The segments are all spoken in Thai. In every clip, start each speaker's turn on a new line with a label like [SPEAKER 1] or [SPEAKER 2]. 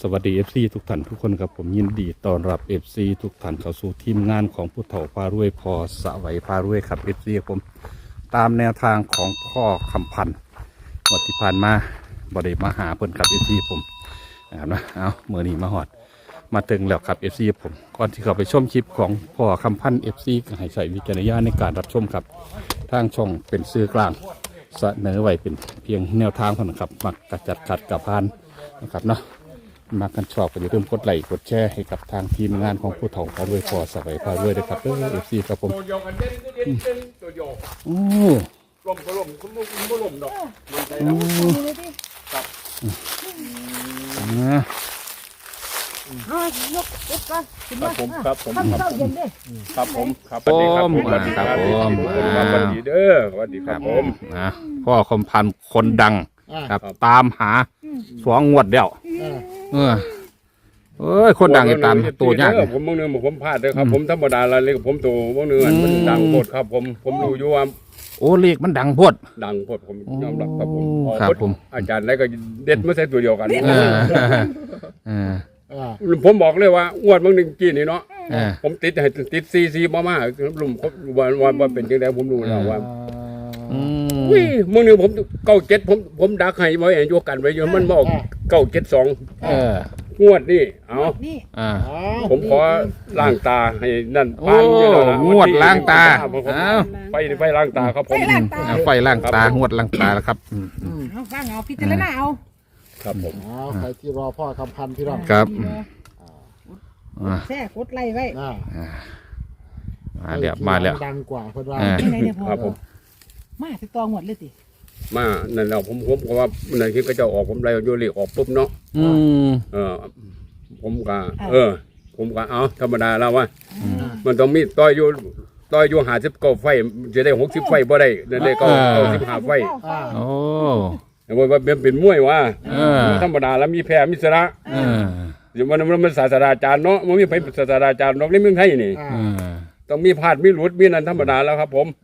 [SPEAKER 1] สวัสดี FC ทุกท่านทุกคนครับผมยินดีต้อนรับ FC ทุกท่านเข้าสู่ทีมงานของผู้เฒ่าพารวยพอสวัยพารวยครับ FC ครับผมตามแนวทางของพ่อคำพันธ์วันที่ผ่านมาบไดมาหาเพิ่นครับ FC ผมนะครับนะเอาเมื่อนี้มาหอดมาถึงแล้วครับ FC ผมก่อนที่เข้าไปชมคลิปของพ่อคำพันธ์ FC ก็ให้ใช้วิจารณญาณในการรับชมครับทางช่องเป็นสื่อกลางเสนอไว้เป็นเพียงแนวทางเท่านั้นครับมักกระจัดขัดกับพานนะครับเนาะมากันชอบก็อย่าลืมกดไลค์กดแชร์ให้กับทางทีมงานของผู้เฒ่าพารวยพอสวัยพารวยด้วยครับFC ครับผม
[SPEAKER 2] ตัวโยกันเด่นก็เด่นเด่นตัวโย
[SPEAKER 1] โอ้
[SPEAKER 2] ลมก็ลมคุณก็ลมดอกมันใจ
[SPEAKER 1] โอ้
[SPEAKER 2] ครับ
[SPEAKER 3] ยกก่อนขึ้น
[SPEAKER 2] ครั
[SPEAKER 3] มา
[SPEAKER 2] บผมครับผม
[SPEAKER 3] ทำเช้าเย็นเด้
[SPEAKER 2] ครับผมครับสวัสดีครับสวัสดีครับสวัสดีเด้อสวัสดีครับผม
[SPEAKER 1] นะพ่อคมพันธ์คนดังครับตามหาสองงวดเดียวเอ้ยคนดังตามตัวยาก
[SPEAKER 2] ผมบางเนื้อผมพลาดเลยครับผมธรรมดาละเลยผมตัวบางเนื้อมันดังโพดครับผมรู้อยู่ว่า
[SPEAKER 1] โอ้เลขมันดังโพด
[SPEAKER 2] ดังโพดผมยอมรับครับผม
[SPEAKER 1] ครับผม
[SPEAKER 2] อาจารย์ได้ก็เด็ดมาใส่ตัวเดียวกัน ผมบอกเลยว่าอ้วนบางหนึ่งกี้นี่เนาะผมติดให้ติดซีมาลุมว่าเป็นยังไงผมรู้แล้วว่าอุ้ยมื่อนึงผม97ผมดักให้ไว้โยกันไว้อยู่มันบอก972งวดนี่เอา
[SPEAKER 3] นี่
[SPEAKER 2] ผมขอล้างตาให้นั่น
[SPEAKER 1] โอ้งวดล้างตา
[SPEAKER 2] ไปล้างตาครับผม
[SPEAKER 1] ไฟล้างตางวดล้างตาแล้วครับ
[SPEAKER 3] เอาฟังเอาพิจารณาเอา
[SPEAKER 2] ครับผม
[SPEAKER 4] ใครที่รอพ่อคำพันธ์พี่น้อง
[SPEAKER 1] ครับ
[SPEAKER 3] แช่กดไล่ไว้
[SPEAKER 1] มาแล้ว
[SPEAKER 4] ดังกว่าเพื่อนว่า
[SPEAKER 3] ไหนเนี่ยพ่อ
[SPEAKER 2] ครับผม
[SPEAKER 3] มาติดต่อหมดเลยติ
[SPEAKER 2] มานั่นเราผมก็ว่านั่นคือก็จะออกผมไล่โยเลีออกปุ๊บเนาะผมก็ผมก็เอาธรรมดาแล้วว่ามันต้องมีต่อยอยู่59ไฟจะได้60ไฟบ่ได้นั่นเลยก็15ไฟ
[SPEAKER 1] โอ้
[SPEAKER 2] ว่าเป็นมวยว่าธรรมดาแล้วมีแพ้มีชนะอย่างมันศาสตราจารย์เนาะมันมีไปศาสตราจารย์นอกในเมืองไทยนี่ต้องมีพลาดมีหลุดมีนั่นธรรมดาแล้วครับผม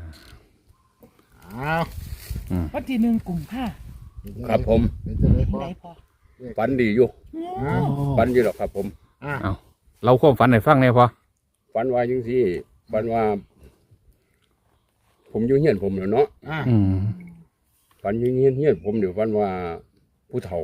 [SPEAKER 3] วันที่1กุมภา
[SPEAKER 2] ครับผม
[SPEAKER 3] ไหนพ่อ
[SPEAKER 2] ฝันดีอยู่ฝันอยู่หรอกครับผม
[SPEAKER 1] เอาเราความฝันให้ฟังเนี่ยพอ
[SPEAKER 2] ฝันว่าจังซี่ฝันว่าผมอยู่เฮียนผมเนาะฝันอยู่เฮียนผมเดี๋ยวฝันว่าผู้เฒ่า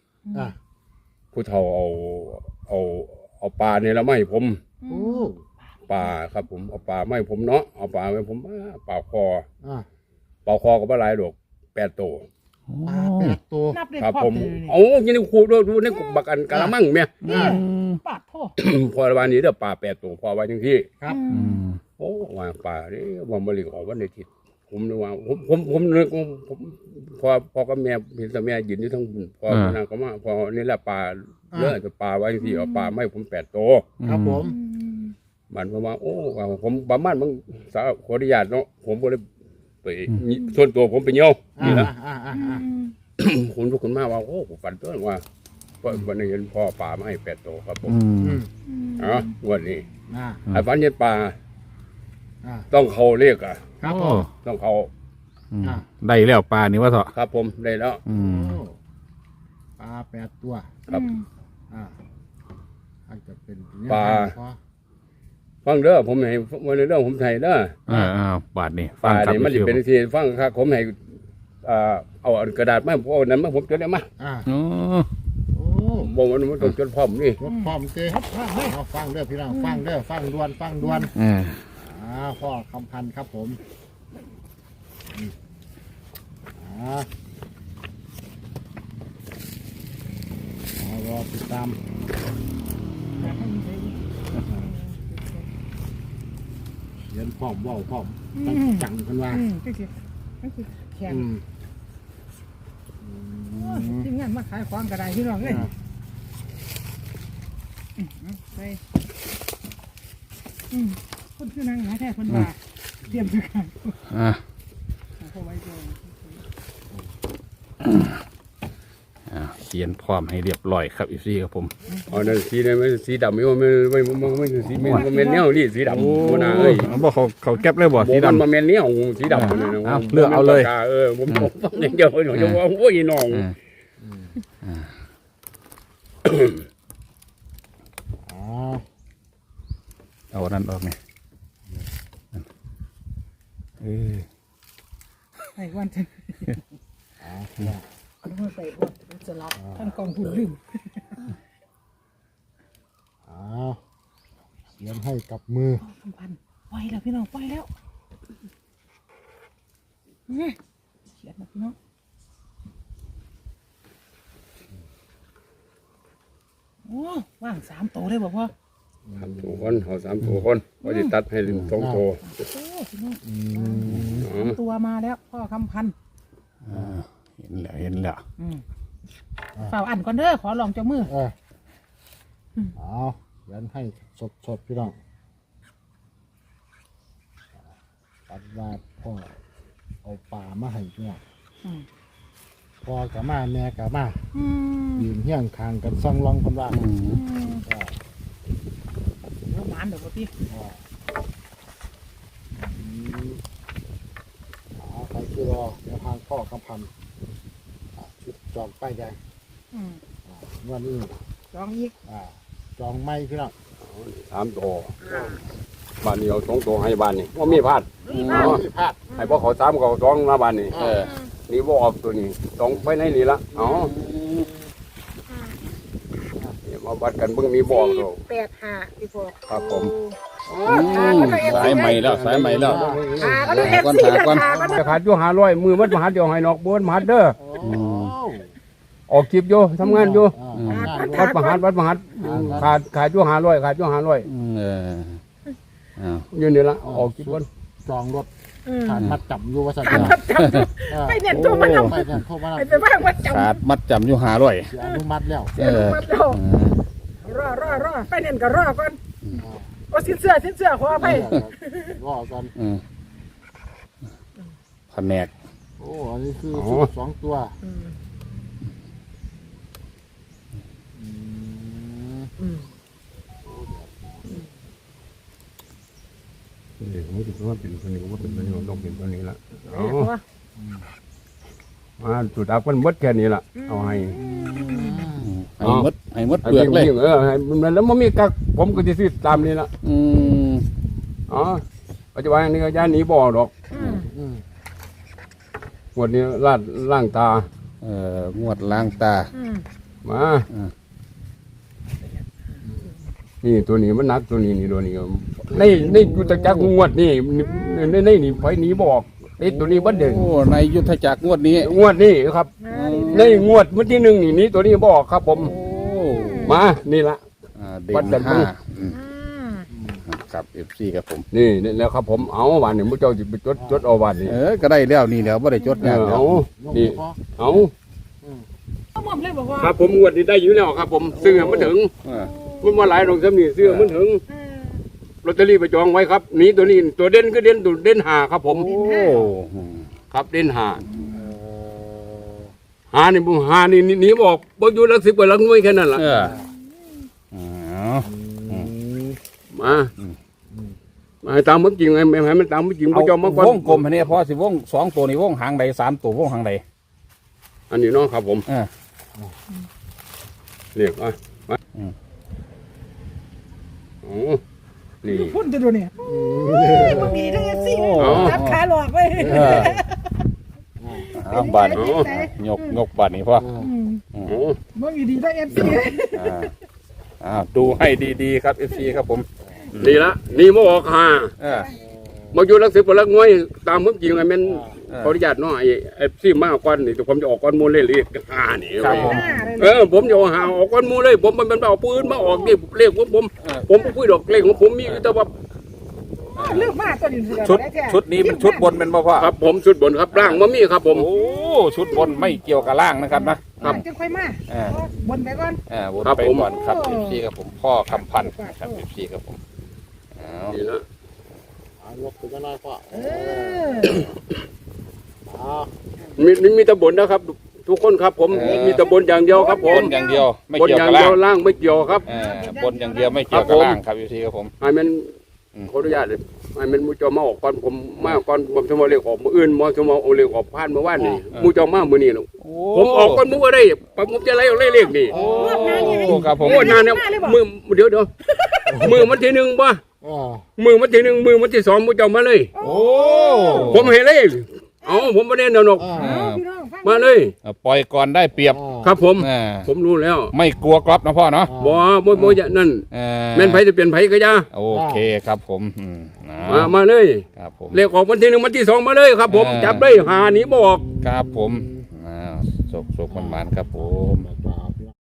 [SPEAKER 2] เอาปลาเนี่ยละไม่ผมปลาครับผมเอาปลาไม่ผมเนาะเอาปลาไม่ผมปลาคอก็บ่หลายดอก8ตัว
[SPEAKER 4] ตัว
[SPEAKER 3] นับได้
[SPEAKER 2] ครับ
[SPEAKER 3] พ่อ
[SPEAKER 2] ผมเอายินดีครูดูในกบักอันกะละมังแม่
[SPEAKER 3] ปาดพ่อ
[SPEAKER 2] พอวันนี้เด้อปลา8ตัวพอไว้จังซี่
[SPEAKER 4] ครับ
[SPEAKER 2] โอ้วางปลานี่ว่าบ่ลิออกวันอาทิตย์ผมนึกว่าผมนึกผมพอกับแม่เห็นแต่แม่ยืนอยู่ทั้งบุญพอนั่นก็มาพอนี่แหละปลาเลือดปลาไว้จังซี่เอาปลาไม่ผม8ตัว
[SPEAKER 4] ครับผม
[SPEAKER 2] มันประมาณโอ้ผมประมาณมึงสาวขออนุญาตเนาะผมก็เลยไปส่วนตัวผมไปเยี่ยวนี่นะคุณทุกคนมาว่าโอ้ผมฝันตัวว่าวันนี้เห็นพ่อปลามาให้8ตัวครับผมวันนี้ไอ้ฝันเห็นปลาต้องเขาเรียกอ่ะ
[SPEAKER 4] ครับผม
[SPEAKER 2] ต้องเขา
[SPEAKER 1] ได้แล้วปลานี่ว่าเถอะ
[SPEAKER 2] ครับผมได้แล้ว
[SPEAKER 4] ปลา8ตัว
[SPEAKER 2] ครับ
[SPEAKER 4] อาจจะเป็น
[SPEAKER 2] ฟังเด้อผมให้วันเรื่องผมไทยเด้อบ
[SPEAKER 1] าทนี่
[SPEAKER 2] ปลาเนี่ยมันจะเป็นทีฟังครับผมให้เอากระดาษมาพวกนั้นมาผมจดได้มา
[SPEAKER 1] โอ้
[SPEAKER 2] บอกมันต้องจดพร้อมนี่
[SPEAKER 4] รถพร้อมเต้ฟังเด้อพี่น้องฟังเด้อฟังดวนพ่อคำพันธ์ครับผมรอติดตามเขียนพร้อมว่าวพร้อมจังกันว่า
[SPEAKER 3] แข็งทีมงานมาขายของกระไดพี่น้องเลยไปคนคือนางหาแท้คนว่าเตรียมจะขายเขาไว้ก่อน
[SPEAKER 1] เขียนพร้อมให้เรียบร้อยครับอีซี่ครับผม
[SPEAKER 2] อ๋อนั่นสีนี่มันสีดำไม่สีมันเมนเนี้ยนี่สีดำโอ้นาเอ้ย
[SPEAKER 1] บอกเขาแก็บเลยบ่สีดำ
[SPEAKER 2] มันเมนเนี้ยสีดำเลยนะ
[SPEAKER 1] เลือกเอาเลย
[SPEAKER 2] ผมอย่างเดียวหนูจะว่าโอ้ยน้อง
[SPEAKER 4] อ๋อ
[SPEAKER 1] เอาอันนั้นออกไงเออ
[SPEAKER 3] ไอ้วันจะ
[SPEAKER 4] อ๋อเนี่ย
[SPEAKER 3] เอามาใส่วันจะรับท่านกองทุนลืม
[SPEAKER 4] อ๋อเขียนให้กับมือ
[SPEAKER 3] คำพันปล่อยแล้วพี่น้องปล่อยแล้วเนี่ยเขียนนะพี่น้องโอ้ว่าง3 ตัวเลยบอกพ่อ
[SPEAKER 2] 3 ตัวคนเอา3 ตัวคนพอจะตัดให้2 ตัว
[SPEAKER 3] โอ้พี่น้อง
[SPEAKER 4] อืม
[SPEAKER 2] อ๋อ
[SPEAKER 3] ตัวมาแล้วพ่อคำพัน
[SPEAKER 1] เห็นแล้ว
[SPEAKER 3] เฝ้าอันก่อนเด้อขอลองเจ้ามือ
[SPEAKER 4] อ๋อเขียนให้สดๆพี่น้องปัดว่าพ่อเอาป่ามาให้พี่น้อง
[SPEAKER 3] อืม
[SPEAKER 4] พ่อกับมาแม่กับมา
[SPEAKER 3] อืม
[SPEAKER 4] ยืนเฮี้ยงคางกันซ่องรองคนว่า
[SPEAKER 3] แล้วหมานเดี๋ยวพ่อพี่
[SPEAKER 4] ใครคือรอแนวทางพ่อกำพันชุดจองป้ายแดงวันนี้
[SPEAKER 3] ลองอีก
[SPEAKER 4] จองไม่พี่น้อง
[SPEAKER 2] 3 ตัวบ้านนี้เอา2 ตัวให้บ้านนี่บ่มีพลาด
[SPEAKER 3] นี่
[SPEAKER 2] อ๋
[SPEAKER 3] มา
[SPEAKER 2] อ
[SPEAKER 4] ที่พลาด
[SPEAKER 2] ให้พวกเขา3เขา2มาบ้านนี่นี่บ่ออกตัวนี้2ไปในนี่ละอ๋อมาวัดกันเบิ่งมีบ่อตัว
[SPEAKER 3] 485พี่พ่อ
[SPEAKER 2] ครับผม
[SPEAKER 1] สายใหม่แล้วสายใหม่แล้ว
[SPEAKER 3] ก็ดู
[SPEAKER 1] หาก่อน
[SPEAKER 3] FC
[SPEAKER 1] หาก่อน
[SPEAKER 3] ก็ดู
[SPEAKER 2] จะขาดอยู่500มือมันมาหัดเดียวให้นอกบนมาหัดเด้อออกคลิปอยู่ทำงานอยู่วัดมหัดขาดอยู่500ขาดอยู่500
[SPEAKER 1] เออเอา
[SPEAKER 2] อยู่นี่ละออกคลิปบน
[SPEAKER 4] จองรถผ่านมัดจับอยู่ว่าสัตว์
[SPEAKER 3] ไปเนี่ยตัวมันเอา
[SPEAKER 4] ไปเนี่ยโทรมา
[SPEAKER 3] ไปบ้างว่าจับ
[SPEAKER 1] ขาดมัดจำอยู่500
[SPEAKER 4] อนุมัติแล้ว
[SPEAKER 3] เสียลูกมัดแล้วรอไปเนี่ยก็รอก่อนโอ้สิ้นเสื้อขอไป
[SPEAKER 4] รอกัน
[SPEAKER 1] แผนก
[SPEAKER 4] โอ้อันนี้คือ2 ตัว
[SPEAKER 2] นี่ผมคิดว่าเป็นคนนี้ก็เป็นคนนี้ต้องเป็นคนนี้ละสุดท้ายมันมดแค่นี้ละเอาให้
[SPEAKER 1] ให้หมดเปลือกเลย
[SPEAKER 2] ให้มันแล้วมันมีกักผมก็จะซื้อตามนี้ละ อ๋อปัจจุบันนี้ก็ย่านหนีบ่อดอกวันนี้ล่างตา
[SPEAKER 1] งวดล้างตา
[SPEAKER 2] มานี่ตัวนี้มันนักตัวนี้นี่ตัวนี้ในยุทธจักรงวดนี่นี่ไฟหนีบอกไอ้ตัวนี้บัดเด่น
[SPEAKER 1] โอ้ในยุทธจักรงวดนี้
[SPEAKER 2] งวดนี่ครับในงวดวันที่1นี่ตัวนี้บอกครับผม
[SPEAKER 1] โอ้
[SPEAKER 2] มานี่ละ
[SPEAKER 1] เด่
[SPEAKER 2] วัด
[SPEAKER 1] น
[SPEAKER 2] กัน
[SPEAKER 1] ห้าครับ FC ครับผม
[SPEAKER 2] นี่แล้วครับผมเอาวันนี้มุเจ้าจะไปจดเอาวันนี้
[SPEAKER 1] ก็ได้แล้วนี่แล้วบ่ได้จดยากแล้ว
[SPEAKER 2] นี่เอา
[SPEAKER 3] เขาหม่อมเลยบอกว่า
[SPEAKER 2] ครับผมงวดนี้ได้อยู่แล้วครับผมซื้อมันถึงมันมาหลายดอกซ้ำนี่ซื้อมันถึงลอตเตอรี่ไปจองไว้ครับนี่ตัวนี้ตัวเด่นก็เด่นหาครับผม
[SPEAKER 1] โอ้
[SPEAKER 2] ครับเด่นหานี่ผมหานี่หนีบอกบ่อยู่หลัก10กว่าหลักหน่วยแค่นั้นล่ะมาให้ตามมันจริงไงไม่ให้มันตามมันจริงบ่จอมมาก่อน
[SPEAKER 1] วงกลมอันนี้พอสิวง2ตัวนี่วงหางใด3ตัววงหางใด
[SPEAKER 2] อันนี้เนาะครับผมเรียกมาอ๋อนี่
[SPEAKER 3] พุ่นจะดูเนี่ยบางทีทั้งFC จับขาหลอกไป
[SPEAKER 1] บาทยกบาทนี่พ่อ
[SPEAKER 2] อ๋อ
[SPEAKER 3] บางทีดีทั้ง FC
[SPEAKER 1] ดูให้ดีๆครับ FC ครับผม
[SPEAKER 2] นี่ละนี่มาออกหามาอยู่หลัก10กว่าหลักหน่วยตามมันจริงไงแม่นขออนุญาตเนาะไอ้ซี่มากกว่านี่แต่ผมจะออกก้อนมูลเลยเรียก5นี่ครับผมผมจะเอาหาออกก้อนมูลเลยผมมันเอาปืนมาออกนี่เลขผมพูดดอกเลขของผมมีแต่ว่า
[SPEAKER 3] เลือกมาตัวนี้
[SPEAKER 1] ชุดนี้เป็นชุดบนเป็นบ่พ่อ
[SPEAKER 2] ครับผมชุดบนครับร่างมันมีครับผม
[SPEAKER 1] โอ้ชุดบนไม่เกี่ยวกับล่างนะครับนะ
[SPEAKER 3] จะค่อยมาบนไปก่อน
[SPEAKER 1] วนไปก่อนครับ FC ครับผมพ่อคำพันธ์ครับ FC ครับผม
[SPEAKER 2] นี่ละ
[SPEAKER 4] ยกขึ้นมาหน่อยพ่อ
[SPEAKER 2] มีตะบนนะครับ ทุกคนครับผมมีตะบนอย่างเดียวครับผ
[SPEAKER 1] บ
[SPEAKER 2] ม
[SPEAKER 1] นอย่างเดียวไม่
[SPEAKER 2] บน
[SPEAKER 1] เกี่ยว
[SPEAKER 2] อย่า
[SPEAKER 1] กับ
[SPEAKER 2] งเดี
[SPEAKER 1] ล่าง
[SPEAKER 2] ยวล่างไม่เกี่ยวครับ
[SPEAKER 1] บนอย่างเดียวไม่เกี่ยวกับล่างครับ FC ครับผม
[SPEAKER 2] ให้มันขออนุญาตเลยมันมูเจ้ามาออกก่อนผมมาก่อนผมจะมาเรียกออกมืออื่นมาจะมาเอาเรียกออกผ่านมาว่านนี่มูเจ้ามามือนี่เนาะผมออกก่อนมูก็ได้ผมจะไล่เอาเรียกนี่
[SPEAKER 1] โอ้ครับผม
[SPEAKER 2] โอ้นานเนี่ยมือเดี๋ยวมือมันทีหนึ่งป่ะ
[SPEAKER 4] อ๋อ
[SPEAKER 2] มือมันทีหนึ่งมือมันที่สองมูเจ้ามาเลย
[SPEAKER 1] โอ้
[SPEAKER 2] ผมเห็นเลยเอาผมไม่ได้เนาะ
[SPEAKER 4] อ่า
[SPEAKER 3] พี่น้องฟัง
[SPEAKER 2] มาเลย
[SPEAKER 1] ปล่อยก่อนได้เปรียบ
[SPEAKER 2] ครับผม
[SPEAKER 1] อ่า
[SPEAKER 2] ผมรู้แล้ว
[SPEAKER 1] ไม่กลัวกรอบนะพ่อเนาะ
[SPEAKER 2] บ่จะนั่น แม่นไผจะเปลี่ยนไผก็ยา
[SPEAKER 1] โอเคครับผม
[SPEAKER 2] มาเลย
[SPEAKER 1] ครับผม
[SPEAKER 2] เลขออกวันที่หนึ่งวันที่สองมาเลยครับผมจับได้หาหนีบอก
[SPEAKER 1] ครับผมสุกมันๆครับผม
[SPEAKER 4] ต